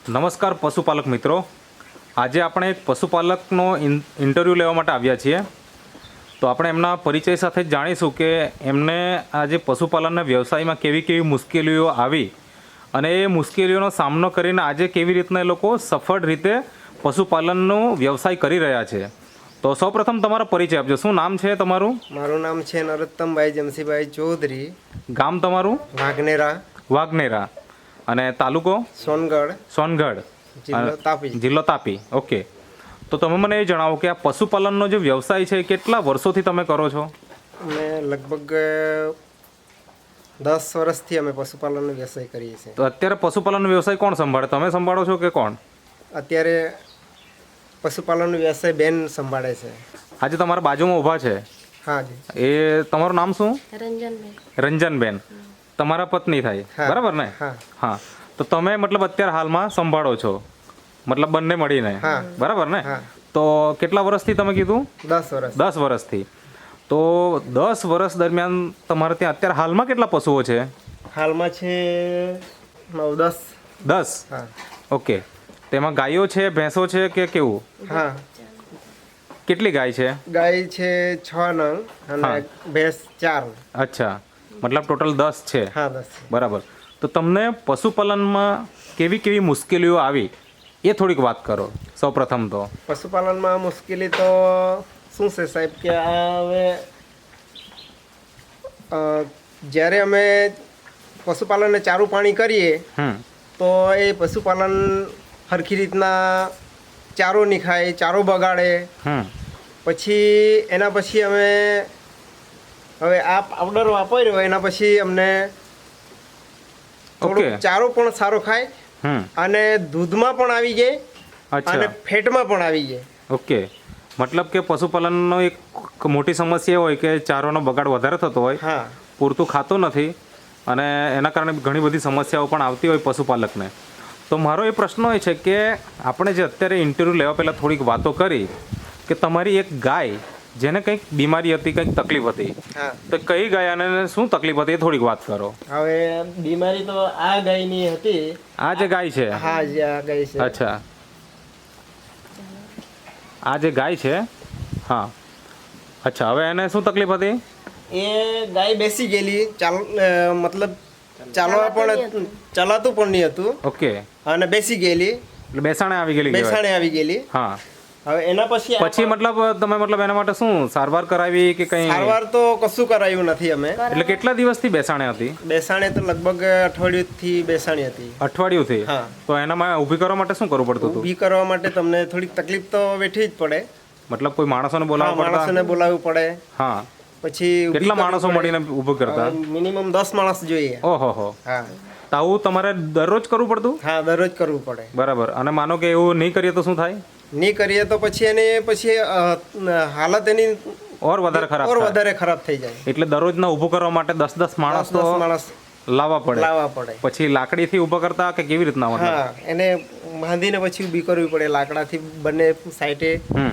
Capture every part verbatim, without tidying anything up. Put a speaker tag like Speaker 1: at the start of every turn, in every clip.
Speaker 1: નમસ્કાર પશુપાલક મિત્રો, આજે આપણે એક પશુપાલકનો ઇન્ટરવ્યૂ લેવા માટે આવ્યા છીએ. તો આપણે એમના પરિચય સાથે જ જાણીશું કે એમને આજે પશુપાલનના વ્યવસાયમાં કેવી કેવી મુશ્કેલીઓ આવી અને એ મુશ્કેલીઓનો સામનો કરીને આજે કેવી રીતના એ લોકો સફળ રીતે પશુપાલનનો વ્યવસાય કરી રહ્યા છે. તો સૌપ્રથમ તમારો પરિચય આપજો. શું નામ છે તમારું?
Speaker 2: મારું નામ છે નરોત્તમભાઈ જમશીભાઈ ચૌધરી.
Speaker 1: ગામ તમારું?
Speaker 2: વાઘનેરા.
Speaker 1: વાઘનેરા. અને તાલુકો?
Speaker 2: સોનગઢ.
Speaker 1: સોનગઢ.
Speaker 2: જિલ્લો તાપી.
Speaker 1: જિલ્લો તાપી. ઓકે. તો તમે મને એ જણાવો કે આ પશુપાલનનો જે વ્યવસાય છે કેટલા વર્ષોથી તમે કરો છો?
Speaker 2: અમે લગભગ દસ વર્ષથી અમે પશુપાલનનો વ્યવસાય કરીએ છીએ.
Speaker 1: તો અત્યારે પશુપાલનનો વ્યવસાય કોણ સંભાળે? તમે સંભાળો છો કે કોણ?
Speaker 2: અત્યારે પશુપાલનનો વ્યવસાય બેન સંભાળે છે.
Speaker 1: આજે તમારા બાજુમાં ઊભા છે.
Speaker 2: હા જી.
Speaker 1: એ તમારું નામ શું?
Speaker 3: રંજનબેન.
Speaker 1: રંજનબેન. તમારા પત્ની થાય, બરાબર ને?
Speaker 2: હા.
Speaker 1: હા. તો તમે મતલબ અત્યારે હાલમાં સંભાળો છો, મતલબ બંને મળીને, બરાબર ને? તો કેટલા વર્ષથી તમે કીધું?
Speaker 2: દસ વર્ષ.
Speaker 1: દસ વર્ષથી. તો દસ વર્ષ દરમિયાન તમારે ત્યાં અત્યારે હાલમાં કેટલા પશુઓ છે?
Speaker 2: હાલમાં છે નવ દસ.
Speaker 1: દસ?
Speaker 2: હા.
Speaker 1: ઓકે. તેમાં ગાયો છે, ભેંસો છે કે કેવું?
Speaker 2: હા.
Speaker 1: કેટલી ગાય છે?
Speaker 2: ગાય છે છ નંગ અને ભેંસ ચાર.
Speaker 1: અચ્છા, મતલબ ટોટલ દસ છે.
Speaker 2: હા, દસ.
Speaker 1: બરાબર. તો તમને પશુપાલનમાં કેવી કેવી મુશ્કેલીઓ આવી એ થોડીક વાત કરો સૌપ્રથમ તો.
Speaker 2: પશુપાલનમાં મુશ્કેલી તો શું છે સાહેબ કે આ હવે જ્યારે અમે પશુપાલનને ચારું પાણી કરીએ તો એ પશુપાલન સરખી રીતના ચારો નહીં ખાય, ચારો બગાડે. પછી એના પછી અમે હવે આ પાવડર વાપર્યો એના પછી અમને થોડો ચારો પણ સારો ખાય અને દૂધમાં પણ આવી જાય અને ફેટમાં પણ આવી જાય.
Speaker 1: ઓકે. મતલબ કે પશુપાલનનો એક મોટી સમસ્યા હોય કે ચારોનો બગાડ વધારે થતો હોય,
Speaker 2: હા,
Speaker 1: પૂરતું ખાતું નથી અને એના કારણે ઘણી બધી સમસ્યાઓ પણ આવતી હોય પશુપાલકને. તો મારો એ પ્રશ્ન એ છે કે આપણે જે અત્યારે ઇન્ટરવ્યૂ લેવા પહેલાં થોડીક વાતો કરી કે તમારી એક ગાય જેને કંઈક બીમારી હતી, કંઈક તકલીફ હતી, તો કઈ ગાય અને શું તકલીફ હતી એ થોડીક વાત કરો.
Speaker 2: હવે બીમારી તો આ ગાયની હતી.
Speaker 1: આ જે ગાય છે?
Speaker 2: હા, જે આ ગાય છે.
Speaker 1: અચ્છા, આ જે ગાય છે. હા. અચ્છા, હવે એને શું તકલીફ હતી?
Speaker 2: એ ગાય બેસી ગયેલી, ચાલ મતલબ ચાલવા પણ ચલાતું પણ નહીં હતું.
Speaker 1: ઓકે.
Speaker 2: અને બેસી ગયેલી,
Speaker 1: એટલે બેસાણે આવી ગયેલી.
Speaker 2: બેસાણે આવી ગયેલી.
Speaker 1: હા.
Speaker 2: હવે એના પછી
Speaker 1: પછી મતલબ તમે મતલબ એના માટે શું સારવાર કરાવી કે કઈ?
Speaker 2: સારવાર તો કશું કરાયું નથી અમે.
Speaker 1: એટલે કેટલા દિવસથી બેસાણે હતી?
Speaker 2: બેસાણે તો લગભગ અઠવાડિયુંથી બેસાણી હતી.
Speaker 1: અઠવાડિયુંથી?
Speaker 2: હા.
Speaker 1: તો એનામાં ઊભી કરવા માટે શું કરવું પડતું હતું?
Speaker 2: ઊભી કરવા માટે તમને થોડીક તકલીફ તો વેઠવી જ પડે.
Speaker 1: મતલબ કોઈ માણસોને બોલાવવા પડતા?
Speaker 2: માણસોને બોલાવવું પડે.
Speaker 1: હા.
Speaker 2: પછી
Speaker 1: કેટલા માણસો મળીને ઊભું કરતા?
Speaker 2: મિનિમમ દસ માણસ જોઈએ.
Speaker 1: ઓહો હો.
Speaker 2: હા.
Speaker 1: તો આવું તમારે દરરોજ કરવું પડતું?
Speaker 2: હા, દરરોજ કરવું પડે.
Speaker 1: બરાબર. અને માનો કે એવું નહીં કરીએ તો શું થાય?
Speaker 2: નહીં કરીએ તો પછી એને પછી હાલત એની
Speaker 1: ઓર વધારે ખરાબ
Speaker 2: ઓર વધારે ખરાબ થઈ જાય.
Speaker 1: એટલે દરરોજના ઊભું કરવા માટે દસ દસ માણસ તો
Speaker 2: માણસ
Speaker 1: લાવવા પડે.
Speaker 2: લાવવા પડે.
Speaker 1: પછી લાકડીથી ઊભા કરતા કે કેવી રીતના?
Speaker 2: હા, એને બાંધીને પછી ઊભી કરવી પડે લાકડાથી બંને સાઈડે.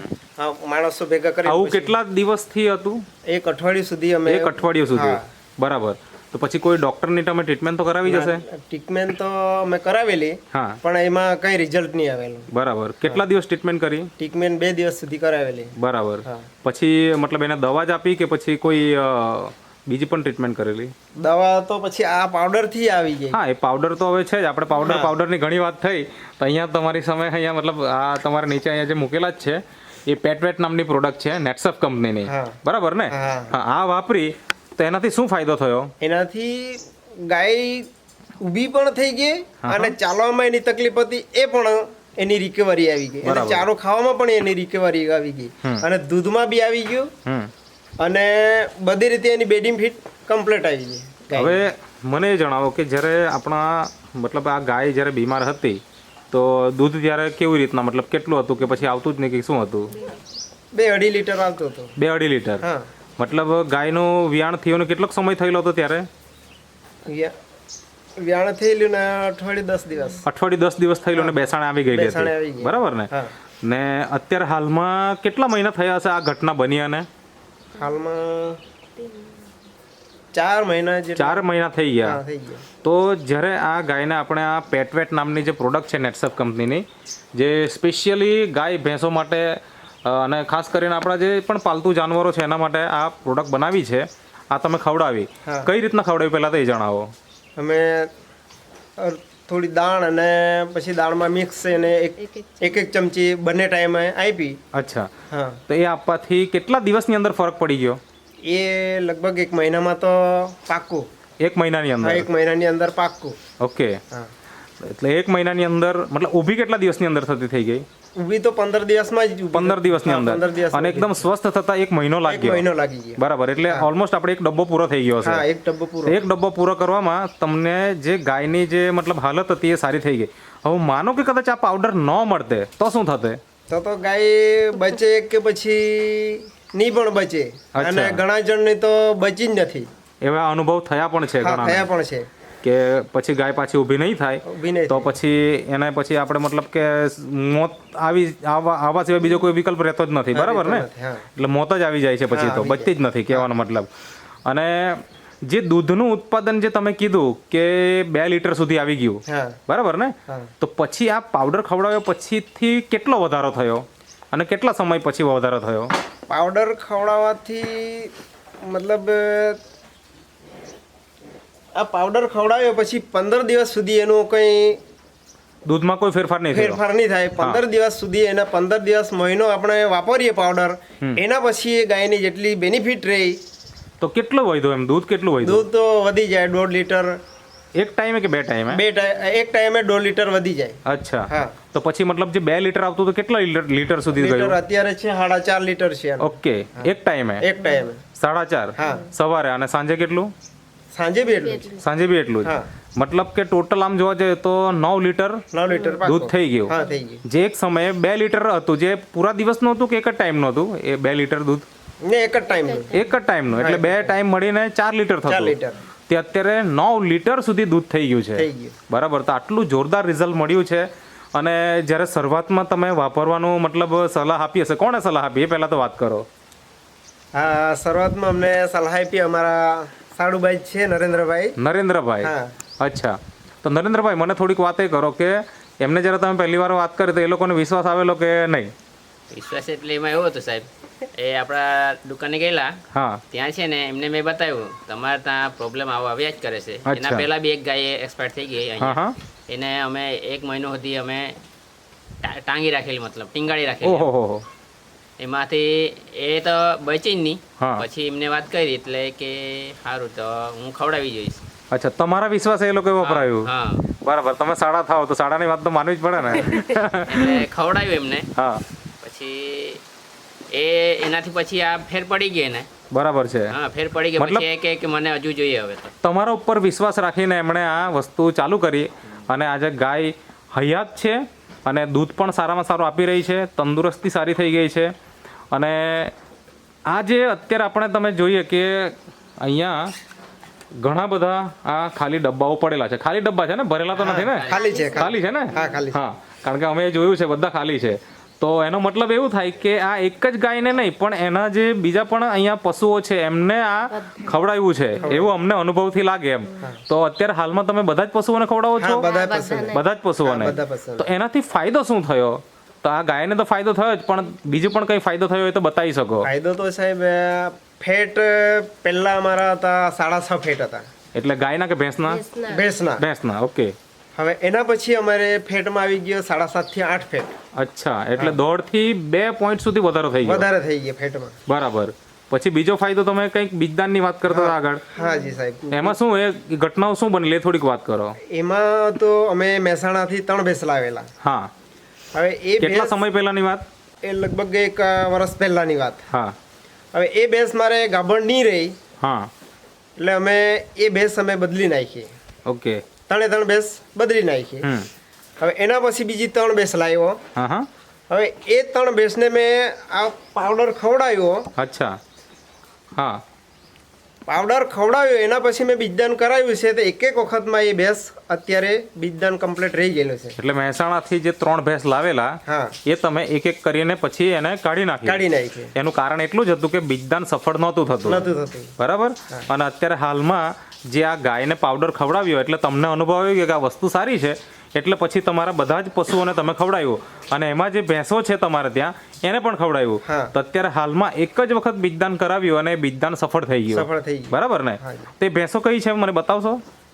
Speaker 2: માણસો ભેગા કરી.
Speaker 1: આવું કેટલા દિવસથી હતું?
Speaker 2: એક અઠવાડિયું સુધી અમે.
Speaker 1: એક અઠવાડિયું સુધી? બરાબર. તો પછી કોઈ ડોક્ટરની તમે ટ્રીટમેન્ટ તો કરાવી જશે?
Speaker 2: ટ્રીટમેન્ટ તો અમે કરાવેલી, પણ એમાં કઈ રિઝલ્ટ નહીં આવેલું.
Speaker 1: બરાબર. કેટલા દિવસ ટ્રીટમેન્ટ કરી?
Speaker 2: ટ્રીટમેન્ટ બે દિવસ સુધી કરાવેલી.
Speaker 1: બરાબર. પછી મતલબ એને દવા જ આપી કે પછી કોઈ બીજી પણ ટ્રીટમેન્ટ કરેલી?
Speaker 2: દવા તો પછી આ પાવડર થી આવી ગઈ.
Speaker 1: હા, એ પાવડર તો હવે છે જ. આપણે પાવડર પાવડરની ઘણી વાત થઈ. તો અહીંયા તમારી સામે અહીંયા મતલબ આ તમારા નીચે અહીંયા જે મૂકેલા જ છે એ પેટવેટ નામની પ્રોડક્ટ છે, નેટસફ કંપનીની, બરાબર ને? હા. આ વાપરી તો એનાથી શું ફાયદો થયો?
Speaker 2: એનાથી ગાય ઊભી પણ થઈ ગઈ અને ચાલવામાં એની તકલીફ હતી એ પણ એની રિકવરી આવી ગઈ. અને ચારો ખાવામાં પણ એની રિકવરી આવી ગઈ અને દૂધમાં બી આવી ગયું અને બધી રીતે એની બેડિંગ ફીટ કમ્પ્લીટ આવી ગઈ.
Speaker 1: હવે મને એ જણાવો કે જ્યારે આપણા મતલબ આ ગાય જ્યારે બીમાર હતી તો દૂધ ત્યારે કેવી રીતના, મતલબ કેટલું હતું કે પછી આવતું જ નહીં કે શું હતું?
Speaker 2: બે અઢી લીટર આવતું હતું.
Speaker 1: બે અઢી લીટર? હા. મતલબ ગાયનું વિયાણ થયોનો કેટલો સમય થયેલો હતો ત્યારે?
Speaker 2: વિયાણ થયેલું ને અઠવાડિયું દસ દિવસ.
Speaker 1: અઠવાડિયું દસ દિવસ થયેલું ને બેસાણે આવી ગઈ હતી, બરાબર ને? ને અત્યારે હાલમાં કેટલા મહિના થયા હશે આ ઘટના બની? અને
Speaker 2: હાલમાં ચાર મહિના જેટલા
Speaker 1: ચાર મહિના થઈ ગયા.
Speaker 2: હા, થઈ ગયા.
Speaker 1: તો જ્યારે આ ગાયને આપણે આ પેટવેટ નામની જે પ્રોડક્ટ છે નેટસપ કંપનીની, જે સ્પેશિયલી ગાય ભેંસો માટે અ, અને ખાસ કરીને આપણા જે પણ પાલતુ જાનવરો છે એના માટે આ પ્રોડક્ટ બનાવી છે, આ તમે ખવડાવી,
Speaker 2: હા.
Speaker 1: કઈ રીતના ખવડાવી પહેલાં તો એ જણાવો.
Speaker 2: અમે અ, થોડી દાણ અને પછી દાળમાં મિક્સ અને એક એક એક ચમચી બંને ટાઈમે આપી.
Speaker 1: અચ્છા,
Speaker 2: હા,
Speaker 1: તો એ આપવાથી કેટલા દિવસની અંદર ફરક પડી ગયો?
Speaker 2: એ લગભગ એક મહિનામાં તો પાક્કું.
Speaker 1: એક મહિનાની
Speaker 2: હા,
Speaker 1: અંદર?
Speaker 2: એક મહિનાની અંદર પાક્કું.
Speaker 1: ઓકે,
Speaker 2: હા,
Speaker 1: એટલે એક મહિનાની અંદર મતલબ ઊભી કેટલા દિવસની અંદર થતી થઈ ગઈ?
Speaker 2: ઊભી તો પંદર દિવસમાં જ ઊભી
Speaker 1: પંદર
Speaker 2: થઈ.
Speaker 1: દિવસની
Speaker 2: હા,
Speaker 1: અંદર,
Speaker 2: પંદર દિવસમાં
Speaker 1: અને એકદમ સ્વસ્થ થતા એક મહિનો
Speaker 2: એક
Speaker 1: લાગ્યો.
Speaker 2: મહિનો લાગી ગયો.
Speaker 1: બરાબર, એટલે ઓલમોસ્ટ આપણે એક ડબ્બો પૂરો થઈ ગયો
Speaker 2: હા,
Speaker 1: છે.
Speaker 2: એક ડબ્બો પૂરો.
Speaker 1: એક ડબ્બો પૂરો કરવામાં તમને જે ગાયની જે મતલબ હાલત હતી એ સારી થઈ ગઈ. હવે માનો કે કદાચ આ પાવડર ન મળતે તો શું થતે?
Speaker 2: તો તો ગાય બચે કે પછી નહીં પણ બચે.
Speaker 1: અચ્છા.
Speaker 2: અને ઘણા જણની તો બચી જ નથી.
Speaker 1: એવા અનુભવ થયા પણ છે
Speaker 2: હા,
Speaker 1: ઘણા,
Speaker 2: થયા પણ છે.
Speaker 1: કે પછી ગાય પાછી ઊભી નહીં થાય
Speaker 2: ઊભી નહીં
Speaker 1: તો
Speaker 2: થાય.
Speaker 1: પછી એને પછી આપણે મતલબ કે મોત આવી આવા આવા સિવાય બીજો કોઈ વિકલ્પ રહેતો જ નથી.
Speaker 2: હા,
Speaker 1: બરાબર ને?
Speaker 2: રહેતો નથી, હા.
Speaker 1: એટલે મોત જ આવી જાય છે પછી
Speaker 2: હા,
Speaker 1: તો
Speaker 2: આવી
Speaker 1: બચતી જ નથી કહેવાનો મતલબ. અને જે દૂધનું ઉત્પાદન જે તમે કીધું કે બે લીટર સુધી આવી ગયું,
Speaker 2: હા,
Speaker 1: બરાબર ને?
Speaker 2: હા.
Speaker 1: તો પછી આ પાવડર ખવડાવ્યો પછીથી કેટલો વધારો થયો અને કેટલા સમય પછી વધારો થયો?
Speaker 2: પાવડર ખવડાવવાથી મતલબ આ પાવડર ખવડાવ્યો પછી પંદર દિવસ સુધી એનું કંઈ
Speaker 1: દૂધમાં કોઈ ફેરફાર નહીં થયો?
Speaker 2: ફેરફાર નહીં થાય. પંદર દિવસ સુધી એના પંદર દિવસ મહિનો આપણે વાપરીએ પાવડર, એના પછી એ ગાયની જેટલી બેનિફિટ રહી,
Speaker 1: તો કેટલું વધ્યું એમ? દૂધ કેટલું વધ્યું?
Speaker 2: દૂધ તો વધી જાય દોઢ લીટર.
Speaker 1: એક ટાઈમે કે બે ટાઈમે?
Speaker 2: બે ટાઈ- એક ટાઈમે દોઢ લીટર વધી જાય.
Speaker 1: અચ્છા,
Speaker 2: હા.
Speaker 1: તો પછી મતલબ જે બે લીટર આવતું તો કેટલા લીટર લીટર સુધી
Speaker 2: લીટર
Speaker 1: ગયું?
Speaker 2: અત્યારે છે સાડા ચાર લીટર છે આનું.
Speaker 1: ઓકે, એક ટાઈમે
Speaker 2: એક ટાઈમે.
Speaker 1: સાડા ચાર?
Speaker 2: હા.
Speaker 1: સવારે, અને સાંજે કેટલું?
Speaker 2: સાંજે બી એટલું જ.
Speaker 1: સાંજે બી એટલું જ?
Speaker 2: હા.
Speaker 1: મતલબ કે ટોટલ આમ જોવા જઈએ તો નવ લીટર
Speaker 2: નવ લીટર પાક્કું.
Speaker 1: દૂધ થઈ ગયું.
Speaker 2: હા, થઈ ગયું.
Speaker 1: જે એક સમયે બે લીટર હતું, જે પૂરા દિવસનું હતું કે એક જ ટાઈમનું હતું એ બે લીટર દૂધ?
Speaker 2: ને એક જ ટાઈમ
Speaker 1: એક જ ટાઈમનું, એટલે બે ટાઈમ મળીને ચાર લીટર
Speaker 2: ચાર
Speaker 1: થતું.
Speaker 2: લીટર
Speaker 1: તે અત્યારે નવ લીટર સુધી દૂધ થઈ ગયું છે.
Speaker 2: થઈ ગયું.
Speaker 1: બરાબર, તો આટલું જોરદાર રિઝલ્ટ મળ્યું છે. અને જ્યારે શરૂઆતમાં તમે વાપરવાનું મતલબ સલાહ આપી હશે, કોણે સલાહ આપી એ પહેલાં તો વાત કરો.
Speaker 2: હા, શરૂઆતમાં અમને સલાહ આપી અમારા સાડુભાઈ છે નરેન્દ્રભાઈ.
Speaker 1: નરેન્દ્રભાઈ?
Speaker 2: હા.
Speaker 1: અચ્છા, તો નરેન્દ્રભાઈ મને થોડીક વાત એ કરો કે એમને જ્યારે તમે પહેલી વાર વાત કરી તો એ લોકોને વિશ્વાસ આવેલો કે નહીં?
Speaker 3: વિશ્વાસ એટલે એમાં એવું હતું સાહેબ, એ આપણા દુકાને ગયેલા,
Speaker 1: હા.
Speaker 3: ત્યાં છે ને એમને મેં બતાવ્યું તમારે ત્યાં પ્રોબ્લેમ આવો આવ્યા જ કરે છે.
Speaker 1: અચ્છા.
Speaker 3: એના પહેલા બી એક ગાય એક્સપાયર થઈ ગઈ
Speaker 1: હા
Speaker 3: અહીંયા.
Speaker 1: હા.
Speaker 3: એને અમે એક મહિનો સુધી અમે ટા- ટાંગી રાખેલી, મતલબ ટીંગાળી રાખેલી.
Speaker 1: ઓહો હો હો.
Speaker 3: એમાંથી એ તો બચી જ નહીં.
Speaker 1: હા.
Speaker 3: પછી એમને વાત કરી એટલે કે સારું તો હું ખવડાવી જોઈશ.
Speaker 1: અચ્છા, તમારા વિશ્વાસ એ લોકોએ વપરાયું?
Speaker 3: હા,
Speaker 1: બરાબર, તમે સાડા થાવ તો સાડાની વાત તો માનવી જ પડે ને.
Speaker 3: એટલે ખવડાવ્યું એમને.
Speaker 1: હા,
Speaker 3: પછી એ એનાથી પછી આ ફેર પડી ગઈ ને.
Speaker 1: બરાબર છે.
Speaker 3: હા, ફેર પડી ગઈ.
Speaker 1: મતલબ-
Speaker 3: પછી એ કહે કે મને હજુ જોઈએ હવે તો.
Speaker 1: તમારા ઉપર વિશ્વાસ રાખીને એમણે આ વસ્તુ ચાલુ કરી અને આજે ગાય હયાત છે અને દૂધ પણ સારામાં સારું આપી રહી છે, તંદુરસ્તી સારી થઈ ગઈ છે. અને આ જે અત્યારે આપણે તમે જોઈએ કે અહીંયા ઘણા બધા આ ખાલી ડબ્બાઓ પડેલા છે. ખાલી ડબ્બા છે ને, ભરેલા તો નથી ને?
Speaker 2: ખાલી છે,
Speaker 1: ખાલી છે ને?
Speaker 2: હા, ખાલી છે.
Speaker 1: હા, કારણ કે અમે જોયું છે બધા ખાલી છે. તો એનો મતલબ એવું થાય કે આ એક જ ગાયને નહીં પણ એના જે બીજા પણ અહીંયા પશુઓ છે એમને આ ખવડાવ્યું છે એવું અમને અનુભવથી લાગે એમ. તો અત્યારે હાલમાં તમે બધા જ પશુઓને ખવડાવો છો?
Speaker 2: હા, બધા પસંદ.
Speaker 1: બધા જ પશુઓને?
Speaker 2: હા, બધા પશુઓને.
Speaker 1: તો એનાથી ફાયદો શું થયો? તો આ ગાયને તો ફાયદો થયો જ, પણ બીજું પણ કંઈ ફાયદો થયો હોય તો બતાવી શકો.
Speaker 2: ફાયદો તો સાહેબ ફેટ પહેલા અમારા હતા સાડા છ ફેટ હતા.
Speaker 1: એટલે ગાયના કે ભેંસના?
Speaker 2: ભેંસના.
Speaker 1: ભેંસના, ઓકે.
Speaker 2: હવે એના પછી અમારે ફેટમાં આવી ગયો સાડા સાત થી આઠ ફેટ.
Speaker 1: અચ્છા, એટલે દોઢથી બે પોઈન્ટ સુધી વધારો થઈ ગયો.
Speaker 2: વધારે થઈ ગયા ફેટમાં.
Speaker 1: બરાબર. પછી બીજો ફાયદો તમે કંઈક બીજદાનની વાત કરતા હતા આગળ,
Speaker 2: હા જી સાહેબ.
Speaker 1: એમાં શું એ ઘટનાઓ શું બનેલી એ થોડીક વાત કરો.
Speaker 2: એમાં તો અમે મહેસાણાથી ત્રણ ભેંસ લાવેલા.
Speaker 1: હા.
Speaker 2: હવે એ
Speaker 1: કેટલા
Speaker 2: ભેંસ
Speaker 1: સમય પહેલાની વાત?
Speaker 2: એ લગભગ એક અ, વર્ષ પહેલાની વાત.
Speaker 1: હા
Speaker 2: હવે એ ભેંસ મારે ગાભણ નહીં રહી
Speaker 1: હા.
Speaker 2: એટલે અમે એ ભેંસ અમે બદલી નાખી.
Speaker 1: ઓકે.
Speaker 2: ત્રણે ત્રણ ભેંસ બદલી નાખી.
Speaker 1: હમ.
Speaker 2: હવે એના પછી બીજી ત્રણ ભેંસ લાવ્યો.
Speaker 1: હા હા.
Speaker 2: હવે એ ત્રણ ભેંસને મેં આ પાવડર ખવડાવ્યો.
Speaker 1: અચ્છા. હા.
Speaker 2: પાવડર ખવડાવ્યો એના પછી મેં બીજદાન કરાવ્યું છે તો એક એક વખતમાં એ ભેંસ અત્યારે બીજદાન કમ્પ્લીટ રહી ગયેલું છે.
Speaker 1: એટલે મહેસાણાથી જે ત્રણ ભેંસ લાવેલા
Speaker 2: હા
Speaker 1: એ તમે એક એક કરીને પછી એને કાઢી નાખી
Speaker 2: કાઢી નાખી.
Speaker 1: એનું કારણ એટલું જ હતું કે બીજદાન સફળ નહોતું થતું,
Speaker 2: નહોતું થતું.
Speaker 1: બરાબર. અને અત્યારે હાલમાં જે આ ગાયને પાવડર ખવડાવ્યો એટલે તમને અનુભવ આવ્યો કે આ વસ્તુ સારી છે, એટલે પછી તમારા બધા જ પશુઓને તમે ખવડાવ્યું અને એમાં જે ભેંસો છે તમારે ત્યાં એને પણ ખવડાવ્યું.
Speaker 2: હા.
Speaker 1: તો અત્યારે હાલમાં એક જ વખત બીજદાન કરાવ્યું અને બીજદાન સફળ થઈ ગયું.
Speaker 2: સફળ થઈ ગયું.
Speaker 1: બરાબર ને?
Speaker 2: હા.
Speaker 1: તે ભેંસો કઈ છે મને બતાવશો?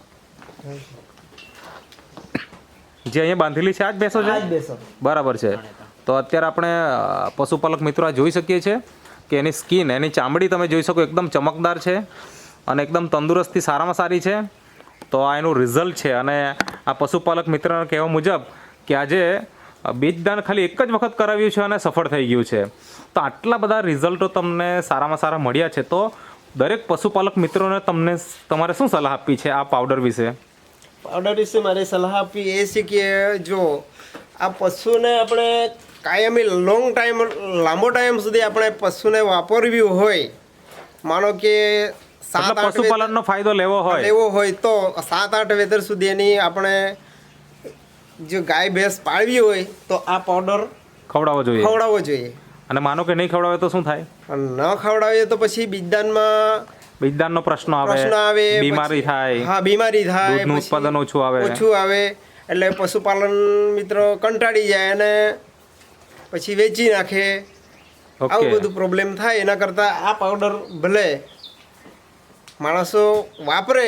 Speaker 1: જે અહીંયા બાંધેલી છે આ જ ભેંસો
Speaker 2: આ જ
Speaker 1: છે?
Speaker 2: ભેંસો.
Speaker 1: બરાબર છે. તો અત્યારે આપણે અ, પશુપાલક મિત્રો આ જોઈ શકીએ છીએ કે એની સ્કિન, એની ચામડી તમે જોઈ શકો એકદમ ચમકદાર છે અને એકદમ તંદુરસ્તી સારામાં સારી છે. તો આ એનું રિઝલ્ટ છે અને આ પશુપાલક મિત્રના કહેવા મુજબ કે આજે બીજદાન ખાલી એક જ વખત કરાવ્યું છે અને સફળ થઈ ગયું છે. તો આટલા બધા રિઝલ્ટો તમને સારામાં સારા મળ્યા છે. તો દરેક પશુપાલક મિત્રોને તમને તમારે શું સલાહ આપવી છે આ પાવડર વિશે?
Speaker 2: પાવડર વિશે મારી સલાહ આપવી એ છે કે જો આ પશુને આપણે કાયમી લોંગ ટાઈમ લાંબો ટાઈમ સુધી આપણે પશુને વાપરવી હોય, માનો કે સાત
Speaker 1: મતલબ
Speaker 2: આઠ
Speaker 1: પશુપાલનનો ફાયદો લેવો હોય
Speaker 2: લેવો હોય તો સાત આઠ વેધર સુધી એની આપણે જો ગાય ભેંસ પાળવી હોય તો આ પાવડર
Speaker 1: ખવડાવવો જોઈએ.
Speaker 2: ખવડાવવો જોઈએ.
Speaker 1: અને માનો કે નહીં ખવડાવે તો શું થાય?
Speaker 2: અને ન ખવડાવીએ તો પછી બીજદાનમાં
Speaker 1: બીજદાનનો પ્રશ્ન આવે,
Speaker 2: પ્રશ્ન આવે,
Speaker 1: બીમારી
Speaker 2: પછી-
Speaker 1: થાય,
Speaker 2: હા બીમારી થાય,
Speaker 1: દૂધનું
Speaker 2: પછી
Speaker 1: ઉત્પાદન ઓછું આવે.
Speaker 2: ઓછું આવે એટલે પશુપાલન મિત્રો કંટાળી જાય અને પછી વેચી નાખે.
Speaker 1: ઓકે.
Speaker 2: આવું બધું પ્રોબ્લેમ થાય. એના કરતાં આ પાવડર ભલે માણસો વાપરે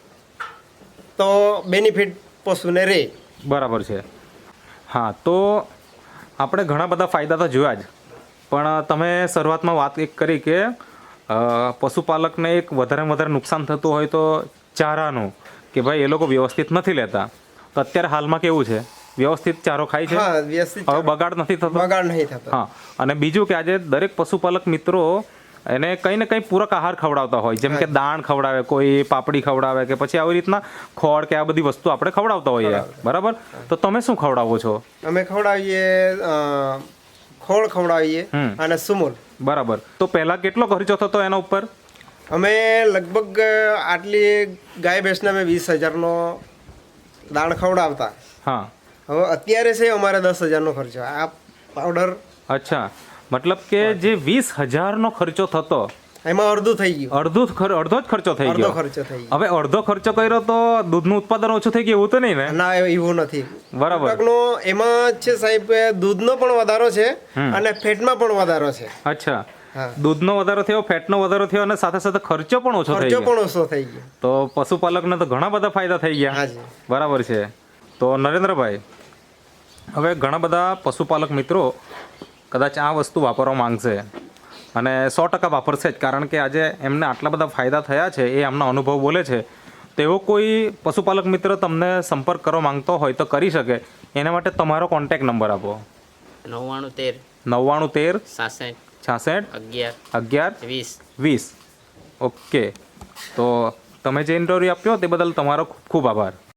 Speaker 2: તો બેનિફિટ પશુને રહે.
Speaker 1: બરાબર છે. હા, તો આપણે ઘણા બધા ફાયદા તો જોયા જ, પણ તમે શરૂઆતમાં વાત એક કરી કે અ, પશુપાલકને એક વધારે વધારે નુકસાન થતું હોય તો ચારાનું, કે ભાઈ એ લોકો વ્યવસ્થિત નથી લેતા. તો અત્યારે હાલમાં કેવું છે? વ્યવસ્થિત ચારો ખાય છે?
Speaker 2: હા વ્યવસ્થિત
Speaker 1: હવે બગાડ નથી થતો?
Speaker 2: બગાડ નહીં થતો.
Speaker 1: હા. અને બીજું કે આજે દરેક પશુપાલક મિત્રો એને કંઈ ને કંઈ પૂરક આહાર ખવડાવતા હોય, જેમ કે દાણ ખવડાવે, કોઈ પાપડી ખવડાવે, કે પછી આવી રીતના ખોળ કે આ બધી વસ્તુ આપણે ખવડાવતા હોઈએ, બરાબર. તો તમે શું ખવડાવો છો?
Speaker 2: અમે ખવડાવીએ અ, ખોળ ખવડાવીએ
Speaker 1: હમ.
Speaker 2: અને સુમૂલ.
Speaker 1: બરાબર. તો પહેલા કેટલો ખર્ચો થતો એના ઉપર?
Speaker 2: અમે લગભગ આટલી ગાય ભેંસને અમે વીસ હજારનો દાણ ખવડાવતા.
Speaker 1: હા.
Speaker 2: હવે અત્યારે છે અમારે દસ હજારનો ખર્ચો. આ પાવડર
Speaker 1: અચ્છા, મતલબ કે જે વીસ હજારનો ખર્ચો થતો
Speaker 2: એમાં અડધું થઈ ગયું.
Speaker 1: અડધો જ ખર- અડધો જ ખર્ચો થઈ
Speaker 2: અડધો
Speaker 1: ગયો.
Speaker 2: ખર્ચો થઈ ગયો.
Speaker 1: હવે અડધો ખર્ચો કર્યો તો દૂધનું ઉત્પાદન ઓછું થઈ ગયું એવું તો નહીં ને?
Speaker 2: ના એવું નથી.
Speaker 1: બરાબર.
Speaker 2: ટૂંકનો એમાં છે સાહેબ દૂધનો પણ વધારો છે અને ફેટમાં પણ વધારો છે.
Speaker 1: અચ્છા,
Speaker 2: હા.
Speaker 1: દૂધનો વધારો થયો, ફેટનો વધારો થયો અને સાથે સાથે ખર્ચો પણ ઓછો થઈ
Speaker 2: ખર્ચો
Speaker 1: ગયો.
Speaker 2: પણ ઓછો થઈ ગયો.
Speaker 1: તો પશુપાલકને તો ઘણા બધા ફાયદા થઈ ગયા.
Speaker 2: હાજી.
Speaker 1: બરાબર છે. તો નરેન્દ્રભાઈ, હવે ઘણા બધા પશુપાલક મિત્રો કદાચ આ વસ્તુ વાપરવા માંગશે અને સો ટકા વાપરશે જ, કારણ કે આજે એમને આટલા બધા ફાયદા થયા છે એ એમના અનુભવ બોલે છે. તેવો કોઈ પશુપાલક મિત્ર તમને સંપર્ક કરવા માંગતો હોય તો કરી શકે. એના માટે તમારો કોન્ટેક નંબર આપો.
Speaker 3: નવ્વાણું તેર
Speaker 1: નવ્વાણું તેર
Speaker 3: સાસઠ
Speaker 1: છાસઠ
Speaker 3: અગિયાર
Speaker 1: અગિયાર
Speaker 3: વીસ.
Speaker 1: વીસ. ઓકે. તો તમે જે ઇન્ટરવ્યૂ આપ્યો તે બદલ તમારો ખૂબ ખૂબ આભાર.